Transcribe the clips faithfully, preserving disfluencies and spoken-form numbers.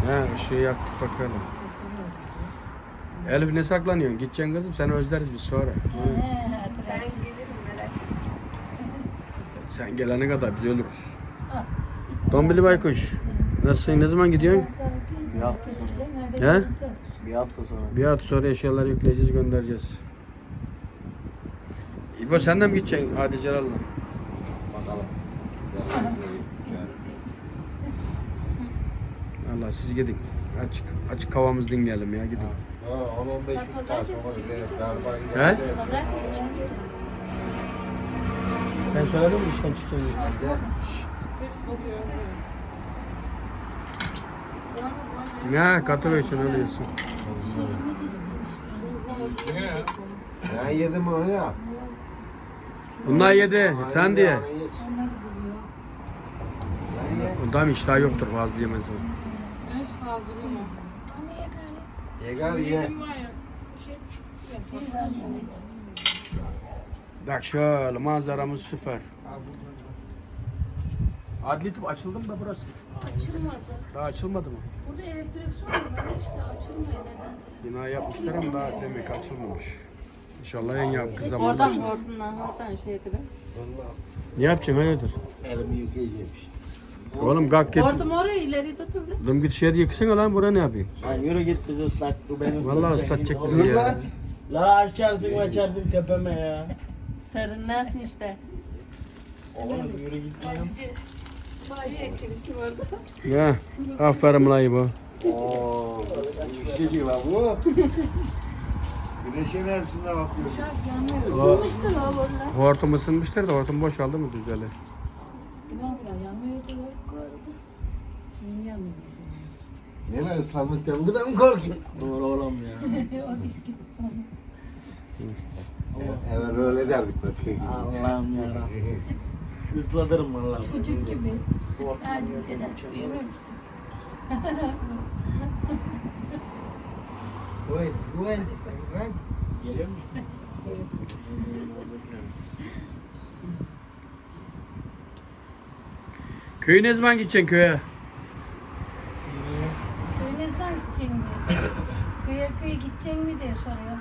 He ışığı yaktık bakalım. Elif ne saklanıyorsun? Gideceksin kızım, seni özleriz biz sonra. Ben gelirim merak. Sen gelene kadar biz ölürüz. Dombili Baykuş. Nasılsın? Ne zaman gidiyorsun? Bir hafta sonra. He? Bir hafta sonra. Bir hafta sonra eşyaları yükleyeceğiz, göndereceğiz. İbo sen de mi gideceksin? Hadi Celal'la. Bakalım. Allah siz gidin. Açık açık havamız dinleyelim ya, gidin. on on beş saat sonra gideriz. Galiba He? gideriz. Pazartesi çıkmayacağım. Sen söyledin mi işten çıkacaksın? Ne? Katı için öylesin. Ben yedim onu ya. Bunlar yedi. Sen diye. Onu ye. Sen ye. Ondan iştah yoktur, fazla yemez o. Ben hiç fazla yemem. Yegar ye. Yedim var ya. Bak şöyle manzaramız süper. Adli tıp açıldı mı da burası? Açılmadı. Daha açılmadı mı? Burada elektrik sorunu var işte açılmıyor nedense. Bina yapmışlar ama daha demek açılmamış. İnşallah en yakın Oradan zamanda açılır. hortumdan oradan şey edelim. Ne yapacaksın, hayırdır? Elimi yıkayacağım. Oğlum kalk git. Hortum oraya ileri tutup. Oğlum git şehir yıksana lan, buraya ne yapayım? Lan yürü git bizi ıslat. Bu beni Vallahi ıslatacak bizi Dur ya. lan. La açarsın açarsın tepeme ya. Serinlersin işte. Oğlum yürü git ya. Bayi etkisi vardı. Ya aferin lan İbo. Ooo. İşçi var bu. Güneş enerjisine bakıyorum. Uçak yanmıyor. Isınmıştır o burada. Hortum ısınmıştır da hortum boşaldı mı düzeli? Yanmıyordu yok gördü. Nereye ıslanmaktan bu kadar mı korkuyorsun? Doğru oğlum ya. O iş kesin. Evet öyle derdik bak. Allah'ım yarabbim. Islatırım vallahi. Çocuk gibi. Hadi Celal. Büyümemiş çocuk. Oy, oy, oy. Geliyor musun? Köye ne zaman gideceksin köye? Köye ne zaman gideceksin diye. Köye köye gideceksin mi diye soruyor.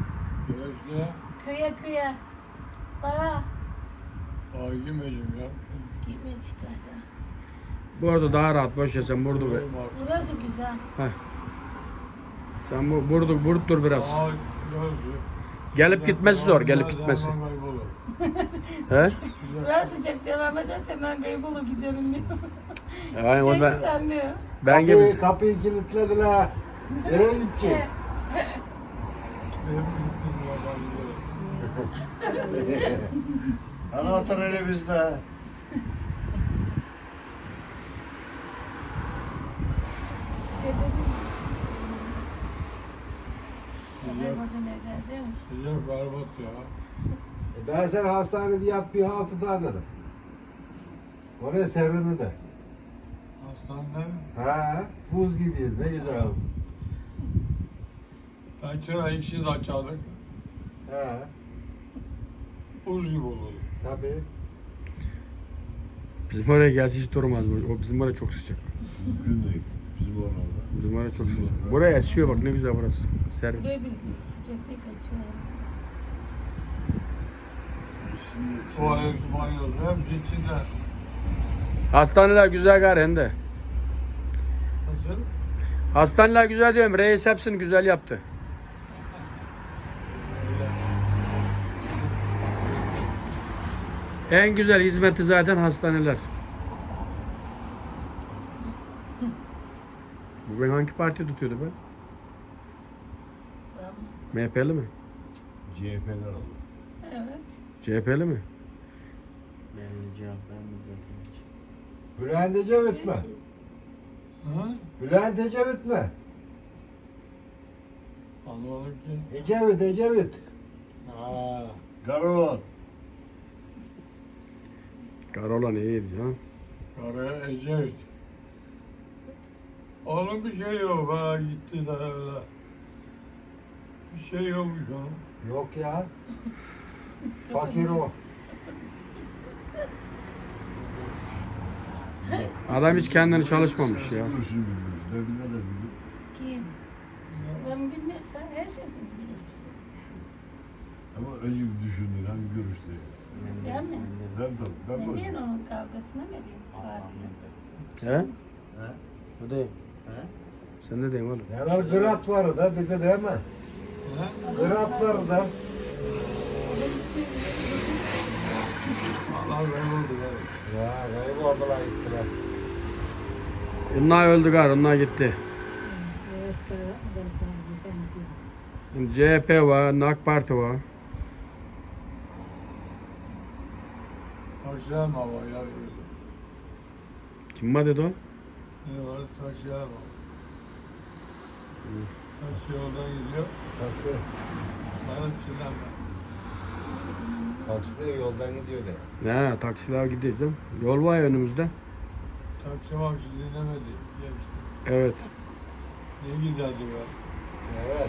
Köye köye. Daha Ay yemeyeceğim ya. gitmeyecek galiba. Bu arada daha rahat, boş ya sen burada. Yemeyeyim artık. Burası güzel. Heh. Sen bu burada burada dur biraz. Aa, yazıyor. Gelip gitmesi zor, gelip Biraz gitmesi. zaman kaybolur. He? Biraz sıcak devam ederse ben Beybolu giderim diyor. Aynen o ben Sıcak diyor. ben Kapıyı, gibi. kapıyı kilitlediler. Nereye gideceksin? Benim gittiğim yerden gidelim. Ana otur hele bizde. Şey dedim. Ben koca ne dedim? Sıcak berbat ya. E ben sen hastanede yat bir hafta dedim. Oraya serini de. Hastanede Ha, buz gibiydi ne güzel. ben çıra işi de açardık. Ha, Buz gibi olurdu. tabii. Bizim oraya gelse hiç durmaz. bu. O bizim oraya çok sıcak. Mümkün değil. Bizim oralarda. Bizim oraya çok sıcak. Buraya esiyor bak, ne güzel burası. Serin. Buraya bir sıcakta kaçıyor. Tuvalet, banyosu hepsi içinde. Hastaneler güzel gari hem de. Nasıl? Hastaneler güzel diyorum. Reis hepsini güzel yaptı. En güzel hizmeti zaten hastaneler. Bu ben hangi parti tutuyordu ben? M H P'li mi? C H P'ler oldu. Evet. C H P'li mi? Yani cevap vermedi zaten hiç. Bülent Ecevit mi? Hı? Bülent Ecevit mi? Anlamadım ki. Ecevit, Ecevit. Ha. Karavan. Karolan iyiydi canım. Karaya Ecevit. Oğlum bir şey yok ha, gitti de öyle. Bir şey yokmuş onun. Yok ya. Fakir o. Adam hiç kendini çalışmamış ya. Ne bileyim, önce bir düşündün hangi görüşte? Ben mi? Sen tabii. Ben Ne boş. diyorsun onun kavgasına mı edin? Partiye. He? He? O değil. He? Sen ne diyorsun oğlum? Ne var grat var da bir de değil mi? Grat var da. Allah kayboldu evet. Ya kayboldular gittiler. Onlar öldü gar, onlar gitti. Şimdi C H P var, AK Parti var. Taksiler mi var yer gördüm. Kim var dedi o? Ne var? Taksiler var. Taksi yoldan gidiyor. Taksi. Sarı çiğdem var. Taksi de yoldan gidiyor de. He, taksiler gidiyor canım. Yol var ya önümüzde. Taksi maksi dinlemedi. Geçti. Evet. Ne giderdi be? Evet.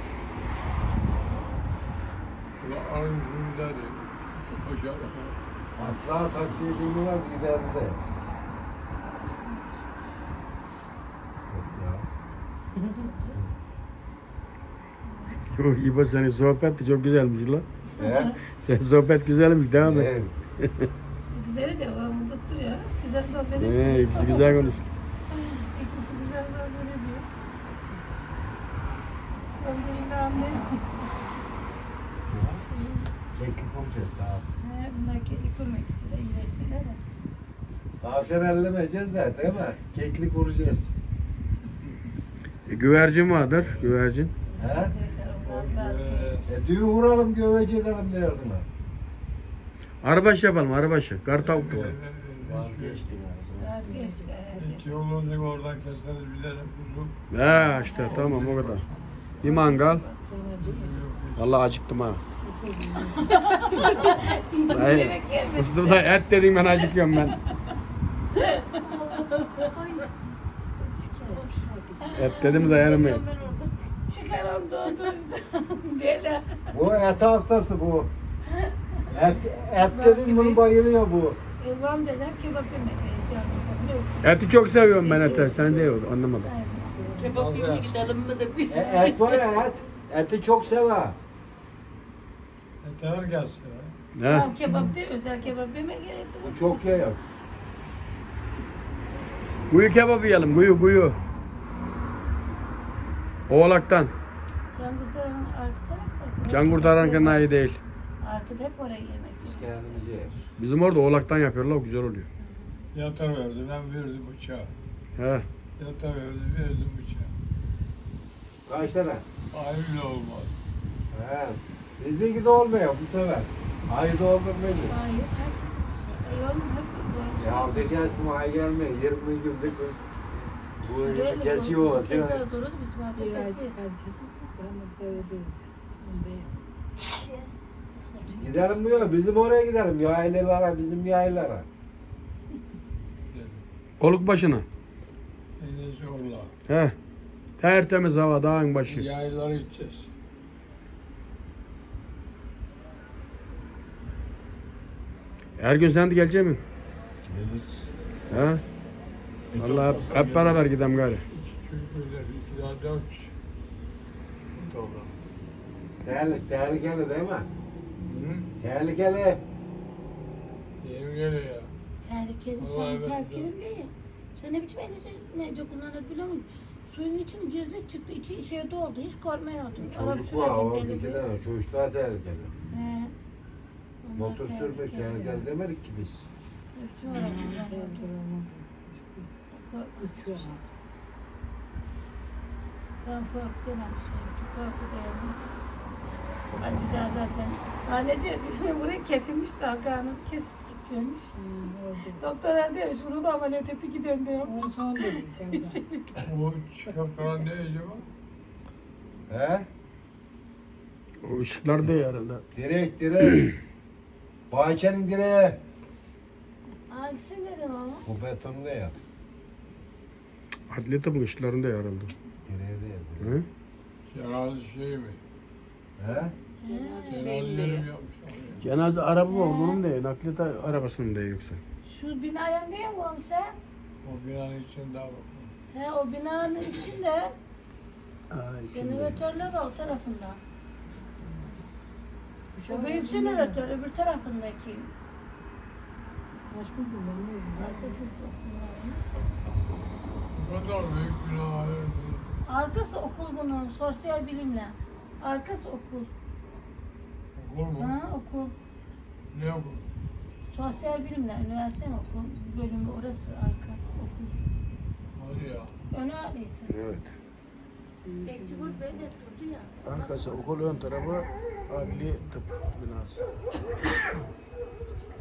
Ulan arın hürleri. Aşağı. Asla taksiye dinlemez giderdi de. Ya. Yok İbo senin sohbet de çok güzelmiş lan. He? Senin sohbet güzelmiş, devam et. Evet. Güzeli de o tutturuyor. Güzel sohbet ediyor. He, ikisi güzel konuş. İkisi güzel sohbet ediyor. Ben de işte anlıyorum. Keklik olacağız daha. He, bunlar kedi kurmak için de iyileştiler de. Tavşan ellemeyeceğiz de değil mi? Keklik vuracağız. E, güvercin vardır, güvercin. He? Tekrar ondan vazgeçmiş. E düğün vuralım göveci edelim derdin ha. Arabaşı yapalım, arabaşı. Kartavuk da var. Vazgeçtik abi. Vazgeçtik. her Hiç şey. yol olacak oradan keseriz bilerek kuzum. He işte tamam o kadar. Bir mangal. Vallahi acıktım ha. Hayır. Yemek gelmedi. Mustafa et dedin ben acıkıyorum ben. Et dedim de yerim. Çıkar onu doğdu işte. Böyle. Bu et hastası bu. Et, et dedin bunu bayılıyor bu. E, babam diyor hep kebap yemek. e, Canım canım biliyorsun. Eti çok seviyorum ben eti. Sen de yok anlamadım. Aynen. Kebap yemeye gidelim mi de bir. E, et var ya et. Eti çok sever. Yeter gelsin ha. He. Tamam kebap değil, özel kebap yeme gerek yok. Bu çok yiyor. Kuyu kebabı yiyelim, kuyu kuyu. Oğlaktan. Can kurtaranın arka tarafı. Can kurtaran kenayi değil. Arkada hep oraya yemek. Kendimiz yiyoruz. Bizim orada oğlaktan yapıyorlar, güzel oluyor. Yatar verdi, ben verdim bıçağı. He. Yatar verdi, verdim bıçağı. Kaç tane? Ayrı olmaz. He. Bizdeki de olmuyor bu sefer. Ayda olur muydu? Hayır, her şey. Yok hep böyle. Ya bir gelsin ay gelme. yirmi günlük bu Böyle kesiyor bu- bu olası. keser dururdu bizim artık bekliyoruz. Gidelim mi yok? Bizim oraya gidelim. Yaylalara, bizim yaylalara. Oluk başına. Enes orla. He. Tertemiz hava, dağın başı. Yayları içeceğiz. Her gün sen de gelecek misin? Geliriz. He. Vallahi hep, hep beraber gidelim gari. İki çocuklar, iki daha dört kişi. Bu da olur. Tehlikeli, tehlikeli değil mi? Hı? Tehlikeli. Yeni geliyor ya. Tehlikeli, Vallahi sen evet, tehlikeli mi? Sen ne biçim elisi ne çok kullanır biliyor musun? Suyun içine girdi çıktı, içi içeri doldu, hiç korkmuyordum. Araba Çocuk var, o sürerken bir deli iki bir. tane çocuk daha tehlikeli. He. Onlar Motor sürmek tehlikeli demedik ki biz. Hepsi var ama. Korkmuş. Ben korku denen bir şey yoktu. Korku dayanım. Acı da zaten. Ha ne diyor? Burayı kesilmiş daha karnını kesip gideceğimiş. Doktor herhalde demiş bunu da ameliyat etti giden de yapmış. O çıkartan ne acaba? He? O ışıklar da herhalde. Direk, direk. Bahçenin direği. Hangisi dedim ama? Bu beton değil. Adli tıbbın ışıklarında herhalde. Direği değil. Hı? Cenaze şey mi? He? Cenaze Şey mi yerim diyor? yapmışlar ya. Cenaze araba var, bunun değil. Nakliyat arabasının değil yoksa. Şu binaya değil mi oğlum sen? O binanın içinde var. He o binanın içinde Ay, jeneratörler var o tarafında. Şu büyük jeneratör öbür tarafındaki. Aşkım kullanıyorum. Arkası okulların. Bu kadar büyük günah hayır. Arkası okul bunun. Sosyal bilimle. Arkası okul. Okul mu? Ha okul. Ne okul? Sosyal bilimle. Üniversitenin okul bölümü orası arka okul. Hadi ya. Öne alıydı. Evet. Bekçi Bulut Bey de durdu ya. Arkası okul ön tarafı adli tıp binası.